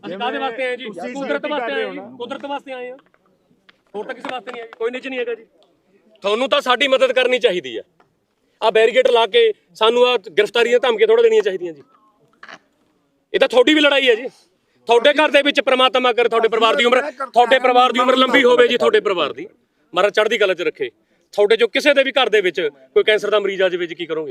ਅਸੀਂ ਕਾਹਦੇ ਵਾਸਤੇ ਆਏ ਜੀ? ਕੁਦਰਤ ਵਾਸਤੇ ਆਏ ਜੀ, ਕੁਦਰਤ ਵਾਸਤੇ ਆਏ ਆ, ਹੋਰ ਤਾਂ ਕਿਸੇ ਵਾਸਤੇ ਨਹੀਂ ਆਏ। ਕੋਈ ਨਿੱਜ ਨਹੀਂ ਹੈਗਾ ਜੀ। ਤੁਹਾਨੂੰ ਤਾਂ ਸਾਡੀ ਮਦਦ ਕਰਨੀ ਚਾਹੀਦੀ ਆ। ਆ ਬੈਰੀਕੇਡ ਲਾ ਕੇ ਸਾਨੂੰ ਆ ਗ੍ਰਿਫਤਾਰੀਆਂ ਧਮਕੀਆਂ ਥੋੜਾ ਦੇਣੀਆਂ ਚਾਹੀਦੀਆਂ ਜੀ। ਇਹ ਤਾਂ ਤੁਹਾਡੀ ਵੀ ਲੜਾਈ ਹੈ ਜੀ। ਤੁਹਾਡੇ ਘਰ ਦੇ ਵਿੱਚ ਪ੍ਰਮਾਤਮਾ ਕਰ ਤੁਹਾਡੇ ਪਰਿਵਾਰ ਦੀ ਉਮਰ ਲੰਬੀ ਹੋਵੇ ਜੀ। ਤੁਹਾਡੇ ਪਰਿਵਾਰ ਦੀ ਮਹਾਰਾਜ ਚੜ੍ਹਦੀ ਕਲਾ 'ਚ ਰੱਖੇ। ਤੁਹਾਡੇ ਜੋ ਕਿਸੇ ਦੇ ਵੀ ਘਰ ਦੇ ਵਿੱਚ ਕੋਈ ਕੈਂਸਰ ਦਾ ਮਰੀਜ਼ ਆ ਜਾਵੇ ਜੀ, ਕੀ ਕਰੋਗੇ?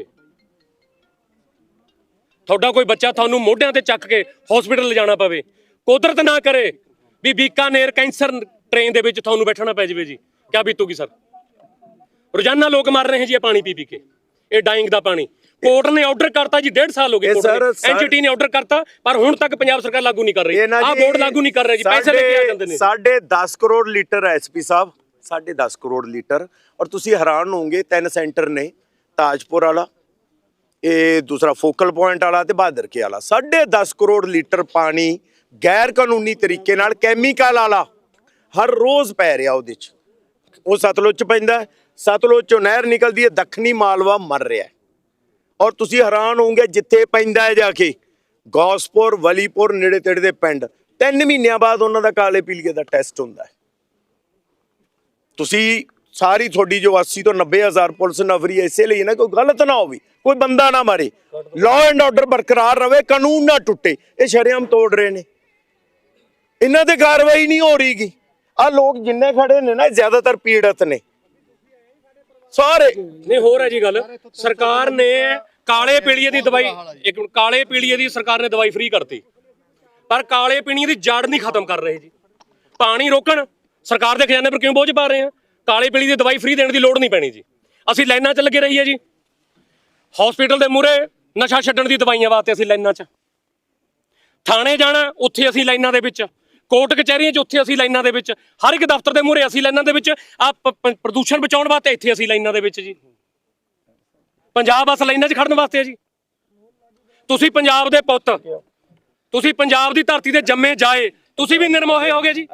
ਤੁਹਾਡਾ ਕੋਈ ਬੱਚਾ ਤੁਹਾਨੂੰ ਮੋਢਿਆਂ ਤੇ ਚੱਕ ਕੇ ਹਸਪੀਟਲ ਲਿਜਾਣਾ ਪਵੇ, ਕੁਦਰਤ ਨਾ ਕਰੇ ਵੀ ਬੀਕਾਨੇਰ ਕੈਂਸਰ ਟ੍ਰੇਨ ਦੇ ਵਿੱਚ ਤੁਹਾਨੂੰ ਬੈਠਣਾ ਪੈ ਜਾਵੇ ਜੀ, ਕਿਆ ਬੀਤੂਗੀ ਸਰ? ਰੋਜ਼ਾਨਾ ਲੋਕ ਮਰ ਰਹੇ ਜੀ ਪਾਣੀ ਪੀ ਕੇ। ਇਹ ਡਾਈਂਗ ਦਾ ਪਾਣੀ ਕੋਰਟ ਨੇ ਆਰਡਰ ਕਰਤਾ ਜੀ, 1.5 ਸਾਲ ਹੋ ਗਏ ਐਨਜੀਟੀ ਨੇ ਆਰਡਰ ਕਰਤਾ, ਪਰ ਹੁਣ ਤੱਕ ਪੰਜਾਬ ਸਰਕਾਰ ਲਾਗੂ ਨਹੀਂ ਕਰ ਰਹੀ। ਆਹ ਬੋਰਡ ਲਾਗੂ ਨਹੀਂ ਕਰ ਰਿਹਾ ਜੀ, ਪੈਸੇ ਲੈ ਕੇ ਆ ਜਾਂਦੇ ਨੇ। 10.5 ਕਰੋੜ ਲੀਟਰ ਐਸਪੀ ਸਾਹਿਬ, 10.5 ਕਰੋੜ ਲੀਟਰ। ਔਰ ਤੁਸੀਂ ਹੈਰਾਨ ਹੋਵੋਗੇ, 3 ਸੈਂਟਰ ਨੇ, ਤਾਜਪੁਰ ਵਾਲਾ, ਇਹ ਦੂਸਰਾ ਫੋਕਲ ਪੁਆਇੰਟ ਵਾਲਾ ਤੇ ਬਹਾਦਰ ਕੇ ਵਾਲਾ। 10.5 ਕਰੋੜ ਲੀਟਰ ਪਾਣੀ ਗੈਰ ਕਾਨੂੰਨੀ ਤਰੀਕੇ ਨਾਲ ਕੈਮੀਕਲ ਵਾਲਾ ਹਰ ਰੋਜ਼ ਪੈ ਰਿਹਾ ਉਹਦੇ 'ਚ। ਉਹ ਸਤਲੁਜ 'ਚ ਪੈਂਦਾ, ਸਤਲੁਜ 'ਚੋਂ ਨਹਿਰ ਨਿਕਲਦੀ ਹੈ, ਦੱਖਣੀ ਮਾਲਵਾ ਮਰ ਰਿਹਾ। ਔਰ ਤੁਸੀਂ ਹੈਰਾਨ ਹੋਵੋਗੇ, ਜਿੱਥੇ ਪੈਂਦਾ ਹੈ ਜਾ ਕੇ ਗੌਸਪੁਰ, ਵਲੀਪੁਰ, ਨੇੜੇ ਤੇੜੇ ਦੇ ਪਿੰਡ, 3 ਮਹੀਨਿਆਂ ਬਾਅਦ ਉਹਨਾਂ ਦਾ ਕਾਲੇ ਪੀਲੀਏ ਦਾ ਟੈਸਟ ਹੁੰਦਾ ਹੈ। ਤੁਸੀਂ ਸਾਰੀ ਤੁਹਾਡੀ ਜੋ 80 ਤੋਂ 90,000 ਪੁਲਿਸ ਨਫਰੀ ਇਸੇ ਲਈ ਨਾ, ਕੋਈ ਗਲਤ ਨਾ ਹੋਵੇ, ਕੋਈ ਬੰਦਾ ਨਾ ਮਾਰੇ, ਲਾਅ ਐਂਡ ਆਰਡਰ ਬਰਕਰਾਰ ਰਵੇ, ਕਾਨੂੰਨ ਨਾ ਟੁੱਟੇ। ਇਹ ਸ਼ਰੇਆਮ ਤੋੜ ਰਹੇ ਨੇ, ਇਹਨਾਂ ਤੇ ਕਾਰਵਾਈ ਨਹੀਂ ਹੋ ਰਹੀਗੀ। ਆਹ ਲੋਕ ਜਿੰਨੇ ਖੜੇ ਨੇ ਨਾ, ਜ਼ਿਆਦਾਤਰ ਪੀੜਤ ਨੇ ਸਾਰੇ। ਨਹੀਂ ਹੋਰ ਹੈ ਜੀ ਗੱਲ, ਸਰਕਾਰ ਨੇ ਕਾਲੇ ਪੀਲੀਏ ਦੀ ਦਵਾਈ, ਇੱਕ ਕਾਲੇ ਪੀਲੀਏ ਦੀ ਸਰਕਾਰ ਨੇ ਦਵਾਈ ਫ੍ਰੀ ਕਰਤੀ, ਪਰ ਕਾਲੇ ਪੀਲੀਏ ਦੀ ਜੜ ਨਹੀਂ ਖਤਮ ਕਰ ਰਹੇ ਜੀ। ਪਾਣੀ ਰੋਕਣ, ਸਰਕਾਰ ਦੇ ਖਜ਼ਾਨੇ ਪਰ ਕਿਉਂ ਬੋਝ ਪਾ ਰਹੇ ਆ? ਕਾਲੇ ਪੀਲੀ ਦੀ ਦਵਾਈ ਫ੍ਰੀ ਦੇਣ ਦੀ ਲੋੜ ਨਹੀਂ ਪੈਣੀ ਜੀ। ਅਸੀਂ ਲਾਈਨਾਂ 'ਚ ਲੱਗੇ ਰਹੀਏ ਜੀ, ਹਸਪੀਟਲ ਦੇ ਮੂਹਰੇ ਨਸ਼ਾ ਛੱਡਣ ਦੀ ਦਵਾਈਆਂ ਵਾਸਤੇ ਅਸੀਂ ਲਾਈਨਾਂ 'ਚ, ਥਾਣੇ ਜਾਣਾ ਉੱਥੇ ਅਸੀਂ ਲਾਈਨਾਂ ਦੇ ਵਿੱਚ, ਕੋਰਟ ਕਚਹਿਰੀਆਂ 'ਚ ਉੱਥੇ ਅਸੀਂ ਲਾਈਨਾਂ ਦੇ ਵਿੱਚ, ਹਰ ਇੱਕ ਦਫ਼ਤਰ ਦੇ ਮੂਹਰੇ ਅਸੀਂ ਲਾਈਨਾਂ ਦੇ ਵਿੱਚ, ਆ ਪ੍ਰਦੂਸ਼ਣ ਬਚਾਉਣ ਵਾਸਤੇ ਇੱਥੇ ਅਸੀਂ ਲਾਈਨਾਂ ਦੇ ਵਿੱਚ ਜੀ। ਪੰਜਾਬ ਬਸ ਲਾਈਨਾਂ 'ਚ ਖੜਨ ਵਾਸਤੇ ਹੈ ਜੀ। ਤੁਸੀਂ ਪੰਜਾਬ ਦੇ ਪੁੱਤ, ਤੁਸੀਂ ਪੰਜਾਬ ਦੀ ਧਰਤੀ ਤੇ ਜੰਮੇ ਜਾਏ, ਤੁਸੀਂ ਵੀ ਨਿਰਮੋਹੇ ਹੋਗੇ ਜੀ।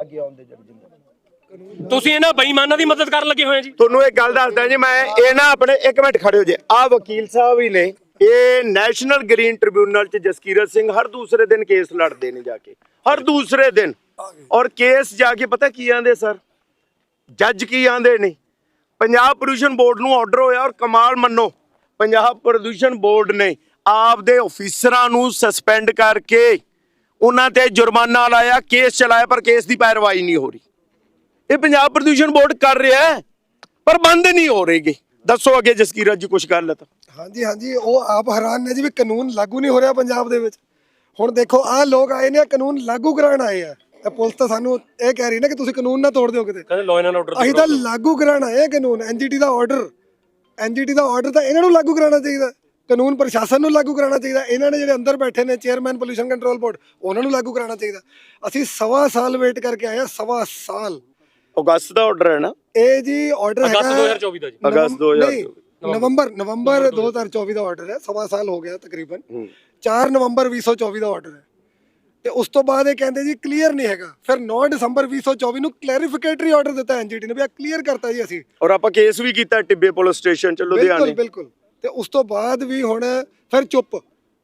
ਤੁਸੀਂ ਇਹਨਾਂ ਬੇਈਮਾਨਾਂ ਦੀ ਮਦਦ ਕਰਨ ਲੱਗੇ ਹੋਏ ਜੀ। ਤੁਹਾਨੂੰ ਇੱਕ ਗੱਲ ਦੱਸਦਾ ਜੀ ਮੈਂ, ਇਹ ਨਾ ਆਪਣੇ 1 ਮਿੰਟ ਖੜੇ ਹੋ ਜੇ। ਆਹ ਵਕੀਲ ਸਾਹਿਬ ਹੀ ਨੇ, ਇਹ ਨੈਸ਼ਨਲ ਗ੍ਰੀਨ ਟ੍ਰਿਬਿਊਨਲ 'ਚ ਜਸਕੀਰਤ ਸਿੰਘ ਹਰ ਦੂਸਰੇ ਦਿਨ ਕੇਸ ਲੜਦੇ ਨੇ ਜਾ ਕੇ, ਹਰ ਦੂਸਰੇ ਦਿਨ। ਔਰ ਕੇਸ ਜਾ ਕੇ ਪਤਾ ਕੀ ਆਂਦੇ ਸਰ, ਜੱਜ ਕੀ ਆਂਦੇ ਨੇ? ਪੰਜਾਬ ਪ੍ਰਦੂਸ਼ਣ ਬੋਰਡ ਨੂੰ ਆਰਡਰ ਹੋਇਆ, ਔਰ ਕਮਾਲ ਮੰਨੋ, ਪੰਜਾਬ ਪ੍ਰਦੂਸ਼ਣ ਬੋਰਡ ਨੇ ਆਪਦੇ ਆਫੀਸਰਾਂ ਨੂੰ ਸਸਪੈਂਡ ਕਰਕੇ ਉਹਨਾਂ ਤੇ ਜੁਰਮਾਨਾ ਲਾਇਆ, ਕੇਸ ਚਲਾਇਆ, ਪਰ ਕੇਸ ਦੀ ਪੈਰਵਾਈ ਨਹੀਂ ਹੋ ਰਹੀ। ਇਹ ਪੰਜਾਬ ਪ੍ਰਦੂਸ਼ਣ ਬੋਰਡ ਕਰ ਰਿਹਾ ਹੈ, ਪਰ ਬੰਦ ਨਹੀਂ ਹੋ ਰਹੇਗੇ। ਦੱਸੋ ਅੱਗੇ ਜਸਕੀਰਤ ਜੀ ਕੁਝ ਗੱਲ ਤਾਂ। ਹਾਂਜੀ ਹਾਂਜੀ, ਉਹ ਆਪ ਹੈਰਾਨ ਨੇ ਜੀ ਵੀ ਕਾਨੂੰਨ ਲਾਗੂ ਨਹੀਂ ਹੋ ਰਿਹਾ ਪੰਜਾਬ ਦੇ ਵਿੱਚ। ਹੁਣ ਦੇਖੋ, ਆਹ ਲੋਕ ਆਏ ਨੇ, ਕਾਨੂੰਨ ਲਾਗੂ ਕਰਾਉਣ ਆਏ ਆ। ਪੁਲਿਸ ਤਾਂ ਸਾਨੂੰ ਇਹ ਕਹਿ ਰਹੀ ਨਾ ਕਿ ਤੁਸੀਂ ਕਾਨੂੰਨ ਨਾ ਤੋੜ ਦਿਓ ਕਿਤੇ। ਕਹਿੰਦੇ ਲਾਅ ਐਂਡ ਆਰਡਰ, ਅਸੀਂ ਤਾਂ ਲਾਗੂ ਕਰਾਉਣ ਆਏ ਕਾਨੂੰਨ। ਐਨਜੀਟੀ ਦਾ ਆਰਡਰ ਤਾਂ ਇਹਨਾਂ ਨੂੰ ਲਾਗੂ ਕਰਾਉਣਾ ਚਾਹੀਦਾ, ਕਾਨੂੰਨ ਪ੍ਰਸ਼ਾਸਨ ਨੂੰ ਲਾਗੂ ਕਰਾਉਣਾ ਚਾਹੀਦਾ। ਇਹਨਾਂ ਨੇ ਜਿਹੜੇ ਅੰਦਰ ਬੈਠੇ ਨੇ ਚੇਅਰਮੈਨ ਪੋਲਿਊਸ਼ਨ ਕੰਟਰੋਲ ਬੋਰਡ, ਉਹਨਾਂ ਨੂੰ ਲਾਗੂ ਕਰਾਉਣਾ ਚਾਹੀਦਾ। ਅਸੀਂ 1.25 ਸਾਲ ਵੇਟ ਕਰਕੇ ਆਏ ਆ, 1.25 ਸਾਲ। ਅਗਸਤ ਦਾ ਆਰਡਰ ਹੈ ਨਾ ਇਹ ਜੀ? ਆਰਡਰ ਅਗਸਤ 2024 ਦਾ ਜੀ। ਅਗਸਤ 2024, ਨਵੰਬਰ 2024 ਦਾ ਆਰਡਰ ਹੈ। 1.25 ਸਾਲ ਹੋ ਗਿਆ ਤਕਰੀਬਨ। 4 ਨਵੰਬਰ 2024 ਦਾ ਆਰਡਰ ਹੈ, ਤੇ ਉਸ ਤੋਂ ਬਾਅਦ ਇਹ ਕਹਿੰਦੇ ਜੀ ਕਲੀਅਰ ਨਹੀਂ ਹੈਗਾ। ਫਿਰ 9 ਦਸੰਬਰ 2024 ਨੂੰ ਕਲੈਰੀਫਿਕੇਟਰੀ ਆਰਡਰ ਦਿੱਤਾ ਐਨਜੀਟੀ ਨੇ ਵੀ ਆ ਕਲੀਅਰ ਕਰਤਾ ਜੀ ਅਸੀਂ। ਔਰ ਆਪਾਂ ਕੇਸ ਵੀ ਕੀਤਾ ਟਿੱਬੇ ਪੁਲਿਸ ਸਟੇਸ਼ਨ ਚ ਲੁਧਿਆਣੇ। ਬਿਲਕੁਲ। ਤੇ ਉਸ ਤੋਂ ਬਾਅਦ ਵੀ ਹੁਣ ਫਿਰ ਚੁੱਪ।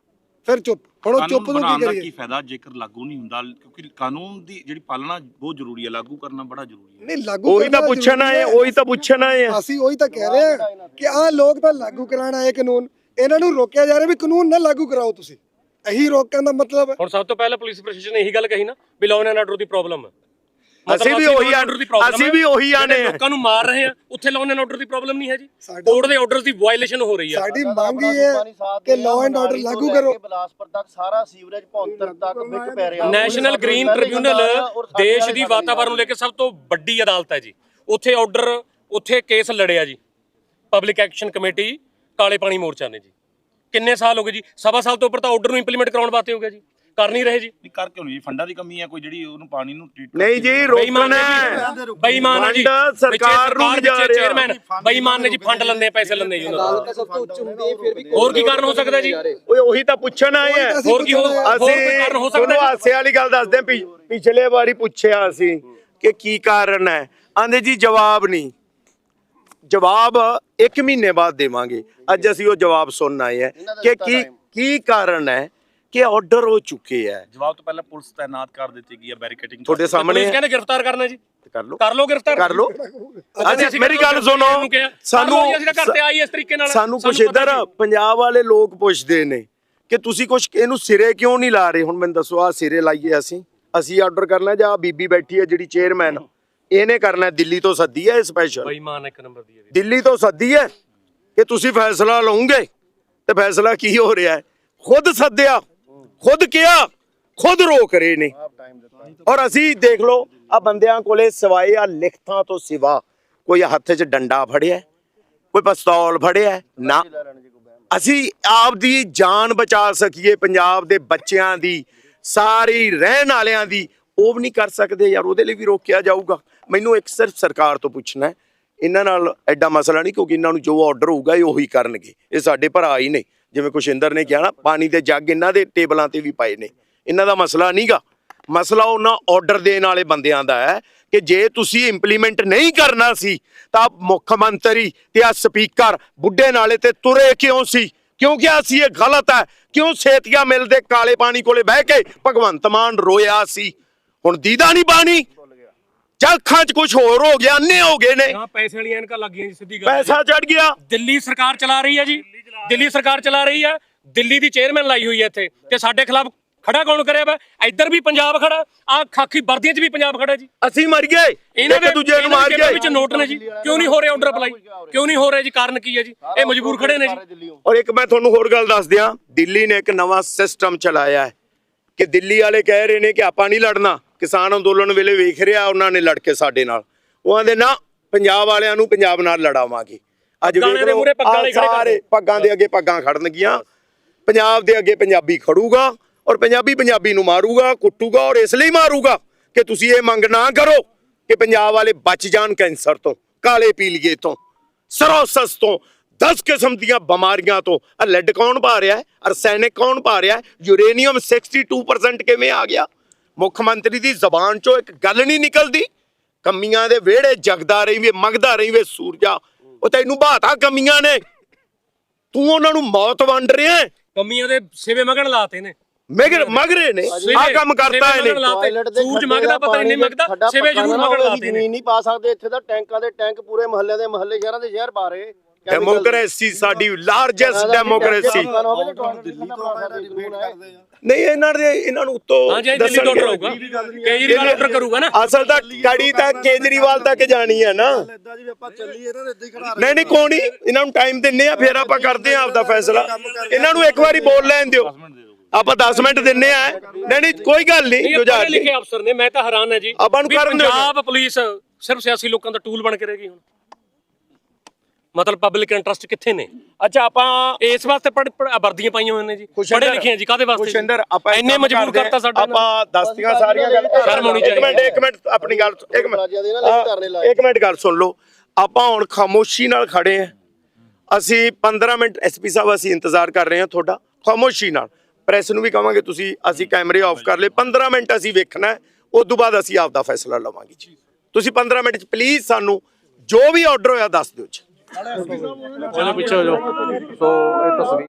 ਹੁਣ ਉਹ ਚੁੱਪ ਨੂੰ ਕੀ ਕਰੀਏ? ਕੀ ਫਾਇਦਾ ਜੇਕਰ ਲਾਗੂ ਨਹੀਂ ਹੁੰਦਾ? ਕਿਉਂਕਿ ਕਾਨੂੰਨ ਦੀ ਜਿਹੜੀ ਪਾਲਣਾ ਬਹੁਤ ਜ਼ਰੂਰੀ ਹੈ, ਲਾਗੂ ਕਰਨਾ ਬੜਾ ਜ਼ਰੂਰੀ ਹੈ। ਨਹੀਂ, ਲਾਗੂ ਉਹੀ ਤਾਂ ਪੁੱਛਣਾ ਹੈ, ਅਸੀਂ ਉਹੀ ਤਾਂ ਕਹਿ ਰਹੇ ਹਾਂ ਕਿ ਆਹ ਲੋਕ ਤਾਂ ਲਾਗੂ ਕਰਾਉਣ ਆਏ ਕਾਨੂੰਨ, ਇਹਨਾਂ ਨੂੰ ਰੋਕਿਆ ਜਾ ਰਿਹਾ ਵੀ ਕਾਨੂੰਨ ਨਾ ਲਾਗੂ ਕਰਾਓ ਤੁਸੀਂ। ਇਹੀ ਰੋਕਣ ਦਾ ਮਤਲਬ। ਹੁਣ ਸਭ ਤੋਂ ਪਹਿਲਾਂ ਪੁਲਿਸ ਪ੍ਰਸ਼ਾਸਨ ਨੇ ਇਹੀ ਗੱਲ ਕਹੀ ਨਾ ਵੀ ਲਾਅ ਐਂਡ ਆਰਡਰ ਦੀ ਪ੍ਰੋਬਲਮ ਹੈ। ਅਸੀਂ ਵੀ ਉਹੀ ਆਨੇ ਆ, ਲੋਕਾਂ ਨੂੰ ਮਾਰ ਰਹੇ ਆ, ਉੱਥੇ ਲਾਅ ਐਂਡ ਆਰਡਰ ਦੀ ਪ੍ਰੋਬਲਮ ਨਹੀਂ ਹੈ ਜੀ। ਕੋਰਟ ਦੇ ਆਰਡਰਸ ਦੀ ਵਾਇਲੇਸ਼ਨ ਹੋ ਰਹੀ ਹੈ। ਸਾਡੀ ਮੰਗ ਇਹ ਹੈ ਕਿ ਲਾਅ ਐਂਡ ਆਰਡਰ ਲਾਗੂ ਕਰੋ। ਬਲਾਸਪੁਰ ਤੱਕ ਸਾਰਾ ਸੀਵਰੇਜ ਭੌਂਤਰ ਤੱਕ ਵਿੱਚ ਪੈ ਰਿਹਾ। ਨੈਸ਼ਨਲ ਗ੍ਰੀਨ ਟ੍ਰਿਬਿਊਨਲ ਦੇਸ਼ ਦੀ ਵਾਤਾਵਰਣ ਨੂੰ ਲੈ ਕੇ ਸਭ ਤੋਂ ਵੱਡੀ ਅਦਾਲਤ ਹੈ ਜੀ। ਉੱਥੇ ਆਰਡਰ, ਉੱਥੇ ਕੇਸ ਲੜਿਆ ਜੀ ਪਬਲਿਕ ਐਕਸ਼ਨ ਕਮੇਟੀ ਕਾਲੇ ਪਾਣੀ ਮੋਰਚਾ ਨੇ ਜੀ। ਕਿੰਨੇ ਸਾਲ ਹੋ ਗਏ ਜੀ? 1.25 ਸਾਲ ਤੋਂ ਉੱਪਰ ਤਾਂ ਆਰਡਰ ਨੂੰ ਇੰਪਲੀਮੈਂਟ ਕਰਾਉਣ ਵਾਸਤੇ ਹੋ ਗਿਆ ਜੀ, ਕਰ ਨਹੀਂ ਰਹੇ ਜੀ। ਕਰ ਕਿਉਂ ਨਹੀਂ? ਫੰਡਾਂ ਦੀ ਕਮੀ ਹੈ ਕੋਈ, ਜਿਹੜੀ ਉਹਨੂੰ ਪਾਣੀ ਨੂੰ ਟ੍ਰੀਟ ਨਹੀਂ ਜੀ, ਰੋਕਣਾ ਹੈ। ਬੇਈਮਾਨ ਹੈ ਜੀ, ਸਰਕਾਰ ਨੂੰ ਜਾ ਰਿਹਾ। ਚੇਅਰਮੈਨ ਬੇਈਮਾਨ ਨੇ ਜੀ, ਫੰਡ ਲੈਂਦੇ, ਪੈਸੇ ਲੈਂਦੇ ਜੀ ਉਹਨਾਂ ਤੋਂ। ਹੋਰ ਕੀ ਕਾਰਨ ਹੋ ਸਕਦਾ ਜੀ? ਓਏ ਉਹੀ ਤਾਂ ਪੁੱਛਣ ਆਏ ਆ। ਹੋਰ ਕੀ ਕਾਰਨ ਹੋ ਸਕਦਾ? ਹਾਸੇ ਵਾਲੀ ਗੱਲ ਦੱਸਦੇ ਆ, ਪਿਛਲੇ ਵਾਰੀ ਪੁੱਛਿਆ ਅਸੀਂ ਕਿ ਕੀ ਕਾਰਨ ਹੈ, ਆਂਦੇ ਜੀ ਜਵਾਬ ਨਹੀਂ। ਜਵਾਬ 1 ਮਹੀਨੇ ਬਾਅਦ ਦੇਵਾਂਗੇ। ਅੱਜ ਅਸੀਂ ਉਹ ਜਵਾਬ ਸੁਣਨ ਆਏ ਆ ਕਿ ਕੀ ਕਾਰਨ ਹੈ ਕਿ ਆਰਡਰ ਹੋ ਚੁੱਕੇ ਹੈ। ਜਵਾਬ ਤੋਂ ਪਹਿਲਾਂ ਪੁਲਿਸ ਤਾਇਨਾਤ ਕਰ ਦਿੱਤੀ ਗਈ ਹੈ, ਬੈਰੀਕੇਡਿੰਗ ਤੁਹਾਡੇ ਸਾਹਮਣੇ ਪੁਲਿਸ ਕਹਿੰਦੇ ਗ੍ਰਿਫਤਾਰ ਕਰਨਾ ਜੀ, ਕਰ ਲਓ ਕਰ ਲਓ ਗ੍ਰਿਫਤਾਰ ਕਰ ਲਓ। ਅਸੀਂ ਮੇਰੀ ਗੱਲ ਸੁਣੋ, ਸਾਨੂੰ ਅਸੀਂ ਤਾਂ ਘਰ ਤੇ ਆਈ ਇਸ ਤਰੀਕੇ ਨਾਲ ਸਾਨੂੰ ਕੁਛ ਇੱਧਰ ਪੰਜਾਬ ਵਾਲੇ ਲੋਕ ਪੁੱਛਦੇ ਨੇ ਕਿ ਤੁਸੀਂ ਕੁਛ ਇਹਨੂੰ ਸਿਰੇ ਕਿਉਂ ਨਹੀਂ ਲਾ ਰਹੇ। ਹੁਣ ਮੈਨੂੰ ਦੱਸੋ, ਆ ਸਿਰੇ ਲਾਈਏ ਅਸੀਂ ਆਰਡਰ ਕਰਨਾ ਜਾਂ ਬੀਬੀ ਬੈਠੀ ਹੈ ਜਿਹੜੀ ਚੇਅਰਮੈਨ, ਇਹਨੇ ਕਰਨਾ? ਦਿੱਲੀ ਤੋਂ ਸੱਦੀ ਹੈ ਸਪੈਸ਼ਲ, ਬੇਈਮਾਨ ਇੱਕ ਨੰਬਰ ਦੀ ਹੈ ਦਿੱਲੀ ਤੋਂ ਸੱਦੀ ਹੈ ਕਿ ਤੁਸੀਂ ਫੈਸਲਾ ਲਓਗੇ, ਤੇ ਫੈਸਲਾ ਕੀ ਹੋ ਰਿਹਾ ਹੈ? ਖੁਦ ਸੱਦਿਆ, ਖੁਦ ਕਿਹਾ, ਖੁਦ ਰੋਕ ਰਹੇ ਨੇ। ਔਰ ਅਸੀਂ ਦੇਖ ਲਓ, ਆ ਬੰਦਿਆਂ ਕੋਲੇ ਸਿਵਾਏ ਆ ਲਿਖਤਾਂ ਤੋਂ ਸਿਵਾ ਕੋਈ ਹੱਥ 'ਚ ਡੰਡਾ ਫੜਿਆ, ਕੋਈ ਪਿਸਤੌਲ ਫੜਿਆ ਨਾ। ਅਸੀਂ ਆਪ ਦੀ ਜਾਨ ਬਚਾ ਸਕੀਏ, ਪੰਜਾਬ ਦੇ ਬੱਚਿਆਂ ਦੀ, ਸਾਰੀ ਰਹਿਣ ਵਾਲਿਆਂ ਦੀ, ਉਹ ਵੀ ਨਹੀਂ ਕਰ ਸਕਦੇ ਯਾਰ। ਉਹਦੇ ਲਈ ਵੀ ਰੋਕਿਆ ਜਾਊਗਾ। ਮੈਨੂੰ ਇੱਕ ਸਿਰਫ ਸਰਕਾਰ ਤੋਂ ਪੁੱਛਣਾ ਹੈ, ਇਹਨਾਂ ਨਾਲ ਐਡਾ ਮਸਲਾ ਨਹੀਂ, ਕਿਉਂਕਿ ਇਹਨਾਂ ਨੂੰ ਜੋ ਆਰਡਰ ਹੋਊਗਾ ਇਹ ਉਹੀ ਕਰਨਗੇ। ਇਹ ਸਾਡੇ ਭਰਾ ਹੀ ਨੇ, ਜਿਵੇਂ ਕੁਸ਼ਿੰਦਰ ਨੇ ਕਿਹਾ ਨਾ, ਪਾਣੀ ਦੇ ਜੱਗ ਇਹਨਾਂ ਦੇ ਟੇਬਲਾਂ ਤੇ ਵੀ ਪਏ ਨੇ। ਇਹਨਾਂ ਦਾ ਮਸਲਾ ਨਹੀਂਗਾ, ਮਸਲਾ ਉਹਨਾਂ ਆਰਡਰ ਦੇਣ ਵਾਲੇ ਬੰਦਿਆਂ ਦਾ ਹੈ ਕਿ ਜੇ ਤੁਸੀਂ ਇੰਪਲੀਮੈਂਟ ਨਹੀਂ ਕਰਨਾ ਸੀ ਤਾਂ ਮੁੱਖ ਮੰਤਰੀ ਤੇ ਆ ਸਪੀਕਰ ਬੁੱਢੇ ਨਾਲੇ ਤੇ ਤੁਰੇ ਕਿਉਂ ਸੀ? ਕਿਉਂ ਕਿਹਾ ਸੀ ਇਹ ਗਲਤ ਹੈ? ਕਿਉਂ ਸੇਤੀਆ ਮਿਲ ਦੇ ਕਾਲੇ ਪਾਣੀ ਕੋਲੇ ਬਹਿ ਕੇ ਭਗਵੰਤ ਮਾਨ ਰੋਇਆ ਸੀ? ਹੁਣ ਦੀਦਾ ਨਹੀਂ ਪਾਣੀ, ਜਾਂ ਅੱਖਾਂ 'ਚ ਕੁਝ ਹੋਰ ਹੋ ਗਿਆ, ਅੰਨੇ ਹੋ ਗਏ ਨੇ। ਹਾਂ, ਪੈਸੇ ਵਾਲੀਆਂ ਐਨਕਾਂ ਲੱਗ ਗਈਆਂ ਜੀ, ਸਿੱਧੀ ਗੱਲ। ਪੈਸਾ ਚੜ ਗਿਆ। ਦਿੱਲੀ ਸਰਕਾਰ ਚਲਾ ਰਹੀ ਹੈ ਜੀ, ਦਿੱਲੀ ਸਰਕਾਰ ਚਲਾ ਰਹੀ ਹੈ। ਦਿੱਲੀ ਦੀ ਚੇਅਰਮੈਨ ਲਾਈ ਹੋਈ ਹੈ ਇੱਥੇ, ਤੇ ਸਾਡੇ ਖਿਲਾਫ ਖੜਾ ਕੌਣ ਕਰਿਆ ਵਾ? ਇੱਧਰ ਵੀ ਪੰਜਾਬ ਖੜਾ, ਆ ਖਾਕੀ ਵਰਦੀਆਂ 'ਚ ਵੀ ਪੰਜਾਬ ਖੜਾ ਜੀ। ਅਸੀਂ ਮਰ ਗਏ, ਇਹਨਾਂ ਇੱਕ ਦੂਜੇ ਨੂੰ ਮਾਰ ਗਏ। ਵਿੱਚ ਨੋਟ ਨੇ ਜੀ, ਕਿਉਂ ਨਹੀਂ ਹੋ ਰਿਹਾ ਆਰਡਰ ਅਪਲਾਈ? ਕਿਉਂ ਨਹੀਂ ਹੋ ਰਿਹਾ ਜੀ? ਕਾਰਨ ਕੀ ਹੈ ਜੀ? ਇਹ ਮਜਬੂਰ ਖੜੇ ਨੇ ਜੀ। ਔਰ ਇੱਕ ਮੈਂ ਤੁਹਾਨੂੰ ਹੋਰ ਗੱਲ ਦੱਸ ਦਿਆਂ, ਦਿੱਲੀ ਨੇ ਇੱਕ ਨਵਾਂ ਸਿਸਟਮ ਚਲਾਇਆ ਹੈ ਕਿ ਦਿੱਲੀ ਵਾਲੇ ਕਹਿ ਰਹੇ ਨੇ ਕਿ ਆਪਾਂ ਨਹੀਂ ਲੜਨਾ। ਕਿਸਾਨ ਅੰਦੋਲਨ ਵੇਲੇ ਵੇਖ ਰਿਹਾ ਉਹਨਾਂ ਨੇ ਲੜ ਕੇ ਸਾਡੇ ਨਾਲ, ਉਹਨਾਂ ਦੇ ਨਾ ਪੰਜਾਬ ਵਾਲਿਆਂ ਨੂੰ ਪੰਜਾਬ ਨਾਲ ਲੜਾਵਾਂਗੇ। ਅੱਜ ਵੇਖ ਲਓ, ਸਾਰੇ ਪੱਗਾਂ ਦੇ ਅੱਗੇ ਪੱਗਾਂ ਖੜਨਗੀਆਂ, ਪੰਜਾਬ ਦੇ ਅੱਗੇ ਪੰਜਾਬੀ ਖੜੂਗਾ, ਔਰ ਪੰਜਾਬੀ ਪੰਜਾਬੀ ਨੂੰ ਮਾਰੂਗਾ, ਕੁੱਟੂਗਾ। ਔਰ ਇਸ ਲਈ ਮਾਰੂਗਾ ਕਿ ਤੁਸੀਂ ਇਹ ਮੰਗ ਨਾ ਕਰੋ ਕਿ ਪੰਜਾਬ ਵਾਲੇ ਬਚ ਜਾਣ ਕੈਂਸਰ ਤੋਂ, ਕਾਲੇ ਪੀਲੀਏ ਤੋਂ, ਸਰੋਸਸ ਤੋਂ, 10 ਕਿਸਮ ਦੀਆਂ ਬਿਮਾਰੀਆਂ ਤੋਂ। ਲੈਡ ਕੌਣ ਪਾ ਰਿਹਾ ਹੈ? ਅਰਸੈਨਿਕ ਕੌਣ ਪਾ ਰਿਹਾ ਹੈ? ਯੂਰੇਨੀਅਮ 62% ਕਿਵੇਂ ਆ ਗਿਆ? ਮੁੱਖ ਮੰਤਰੀ ਦੀ ਜ਼ਬਾਨ ਚੋਂ ਇੱਕ ਗੱਲ ਨਹੀਂ ਨਿਕਲਦੀ। ਕਮੀਆਂ ਦੇ ਵਿਹੜੇ ਜਗਦਾ ਰਹੀ ਵੇ, ਮੰਗਦਾ ਰਹੀ ਵੇ ਸੂਰਜਾ। ਉਹ ਤੈਨੂੰ ਬਾਤਾ ਕਮੀਆਂ ਨੇ, ਤੂੰ ਉਹਨਾਂ ਨੂੰ ਮੌਤ ਵੰਡ ਰਿਹਾ ਹੈ। ਕਮੀਆਂ ਦੇ ਸਿਵੇ ਮਗਣ ਲਾਤੇ ਨੇ, ਮਗ ਰਹੇ ਨੇ, ਆ ਕੰਮ ਕਰਤਾ ਇਹਨੇ। ਸੂਰਜ ਮੰਗਦਾ, ਪਤਾ ਨਹੀਂ ਮੰਗਦਾ, ਸਿਵੇ ਜ਼ਰੂਰ ਮਗਣ ਲਾਤੇ ਨੇ। ਜ਼ਮੀਨ ਨਹੀਂ ਪਾ ਸਕਦੇ ਇੱਥੇ ਤਾਂ, ਟੈਂਕਾਂ ਦੇ ਟੈਂਕ ਪੂਰੇ ਮਹੱਲੇ ਦੇ ਮਹੱਲੇ, ਸ਼ਹਿਰਾਂ ਦੇ ਸ਼ਹਿਰ ਪਾ ਰਹੇ। ਡੈਮੋਕ੍ਰੇਸੀ ਸਾਡੀ ਲਾਰਜੈਸਟ ਡੈਮੋਕ੍ਰੇਸੀ। ਨਹੀਂ, ਇਹਨਾਂ ਨੂੰ ਉੱਤੋਂ ਹਾਂਜੀ, ਦਿੱਲੀ ਤੋਂ ਆਰਡਰ ਹੋਊਗਾ, ਕੇਜਰੀਵਾਲ ਆਰਡਰ ਕਰੂਗਾ ਨਾ। ਅਸਲ ਤਾਂ ਕੜੀ ਤਾਂ ਕੇਜਰੀਵਾਲ ਤੱਕ ਜਾਣੀ ਹੈ ਨਾ। ਨਹੀਂ ਨਹੀਂ, ਕੋਈ ਨਹੀਂ, ਇਹਨਾਂ ਨੂੰ ਟਾਈਮ ਦਿੰਨੇ ਆ, ਫਿਰ ਆਪਾਂ ਕਰਦੇ ਆ ਆਪਦਾ ਫੈਸਲਾ। ਇਹਨਾਂ ਨੂੰ ਇੱਕ ਵਾਰੀ ਬੋਲ ਲੈਣ ਦਿਓ, ਆਪਾਂ 10 ਮਿੰਟ ਦਿੰਨੇ ਆ। ਨਹੀਂ ਨਹੀਂ, ਕੋਈ ਗੱਲ ਨਹੀਂ। ਜੋ ਜਾ ਲਿਖੇ ਅਫਸਰ ਨੇ, ਮੈਂ ਤਾਂ ਹੈਰਾਨ ਹੈ ਜੀ। ਆਪਾਂ ਨੂੰ ਕਰਨ ਦਿਓ। ਪੰਜਾਬ ਪੁਲਿਸ ਸਿਰਫ ਸਿਆਸੀ ਲੋਕਾਂ ਦਾ ਟੂਲ ਬਣ ਕੇ ਰਹਿ ਗਈ ਹੁਣ। ਮਤਲਬ ਪਬਲਿਕ ਇੰਟਰਸਟ ਕਿੱਥੇ ਨੇ? ਅੱਛਾ, ਆਪਾਂ ਇਸ ਵਾਸਤੇ ਵਰਦੀਆਂ ਪਾਈਆਂ ਹੋਈਆਂ ਨੇ ਜੀ, ਪੜ੍ਹੇ ਲਿਖੇ ਆ ਜੀ। ਕਾਹਦੇ ਵਾਸਤੇ? ਖੁਸ਼ਿੰਦਰ, ਆਪਾਂ ਇੰਨੇ ਮਜਬੂਰ ਕਰਤਾ ਸਾਡਾ। ਆਪਾਂ ਦੱਸਤੀਆਂ ਸਾਰੀਆਂ ਗੱਲ। ਸ਼ਰਮ ਹੋਣੀ ਚਾਹੀਦੀ। ਇੱਕ ਮਿੰਟ ਆਪਣੀ ਗੱਲ, ਇੱਕ ਮਿੰਟ ਗੱਲ ਸੁਣ ਲਓ। ਆਪਾਂ ਹੁਣ ਖਾਮੋਸ਼ੀ ਨਾਲ ਖੜੇ ਆ। ਅਸੀਂ 15 ਮਿੰਟ ਐਸਪੀ ਸਾਹਿਬ, ਅਸੀਂ ਇੰਤਜ਼ਾਰ ਕਰ ਰਹੇ ਹਾਂ ਤੁਹਾਡਾ, ਖਾਮੋਸ਼ੀ ਨਾਲ। ਪ੍ਰੈਸ ਨੂੰ ਵੀ ਕਹਾਂਗੇ ਤੁਸੀਂ, ਅਸੀਂ ਕੈਮਰੇ ਆਫ ਕਰ ਲਏ। 15 ਮਿੰਟ ਅਸੀਂ ਵੇਖਣਾ, ਉਸ ਤੋਂ ਬਾਅਦ ਅਸੀਂ ਆਪਦਾ ਫੈਸਲਾ ਲਵਾਂਗੇ ਜੀ। ਤੁਸੀਂ 15 ਮਿੰਟ 'ਚ ਪਲੀਜ਼ ਸਾਨੂੰ ਜੋ ਵੀ ਆਰਡਰ ਹੋਇਆ ਦੱਸ ਦਿਓ ਜੀ। ਚਲੋ ਪਿੱਛੇ ਹੋ ਜਾਓ। ਸੋ ਇਹ ਤਸਵੀਰ